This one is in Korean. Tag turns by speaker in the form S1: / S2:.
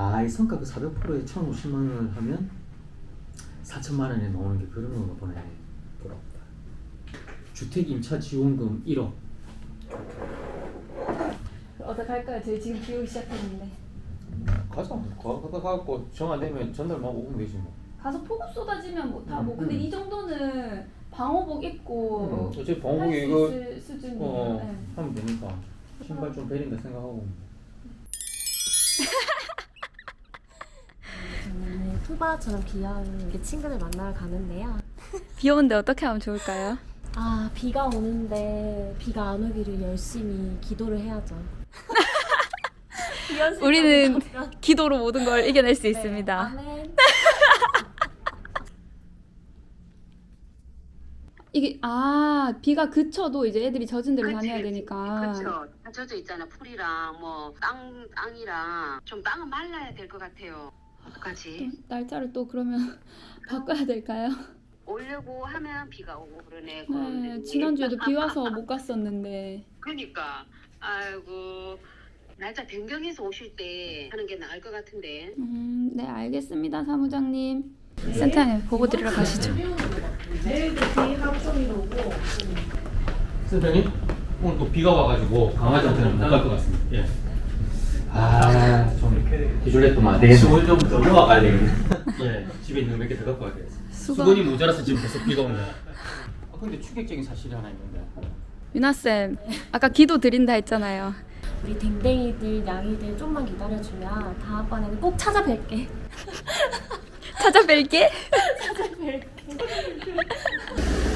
S1: 이 성과 그 400%에 1,050만 원을 하면 4천만 원에 나오는 게 그런 건가 보네. 부럽다. 주택 임차 지원금 1억.
S2: 어떡할까요? 저희 지금 비우기 시작했는데.
S1: 가자. 가갖고 정 안 되면 전날만 오면 되지 뭐.
S2: 가서 폭우 쏟아지면 못하고 근데 이 정도는 방호복 입고
S1: 어차피
S2: 할
S1: 방법이
S2: 수
S1: 이거
S2: 있을 수준이에요. 네.
S1: 하면 되니까 신발 좀 베린다 생각하고.
S3: 저는 토바처럼 귀여운 우리 친구들 만나러 가는데요.
S2: 비 오는데 어떻게 하면 좋을까요?
S3: 아, 비가 오는데 비가 안 오기를 열심히 기도를 해야죠.
S2: 우리는 기도로 모든 걸 이겨낼 수
S3: 네,
S2: 있습니다.
S3: 아멘.
S2: 이게 비가 그쳐도 이제 애들이 젖은 데로 다녀야 되니까.
S4: 그렇죠. 다 젖어 있잖아. 풀이랑 뭐 땅이랑 좀 땅은 말라야 될 것 같아요. 어떡하지?
S2: 날짜를 또 그러면 바꿔야 될까요?
S4: 오려고 하면 비가 오고 그러네.
S2: 네, 지난주에도 비 와서 못 갔었는데.
S4: 그러니까 아이고 날짜 변경해서 오실 때 하는 게 나을 것 같은데.
S2: 네, 알겠습니다, 사무장님. 센터에 보고 드리러 가시죠.
S1: 선생님 오늘 또 비가 와가지고 강화장터는 못 갈 것 같습니다. 예. 좀 기술했더만 안 되겠네. 수건 좀 더 넣어가야 되겠네. 예, 집에 있는 몇 개 더 갖고 와야 되겠어. 수건이 모자라서 지금 계속 비가 오는 거야. 근데 충격적인 사실이 하나 있는데.
S2: 유나쌤, 아까 기도 드린다 했잖아요.
S3: 우리 댕댕이들, 양이들 좀만 기다려주면 다음번에는 꼭 찾아뵐게.
S2: 찾아뵐게.
S3: 찾아뵐게.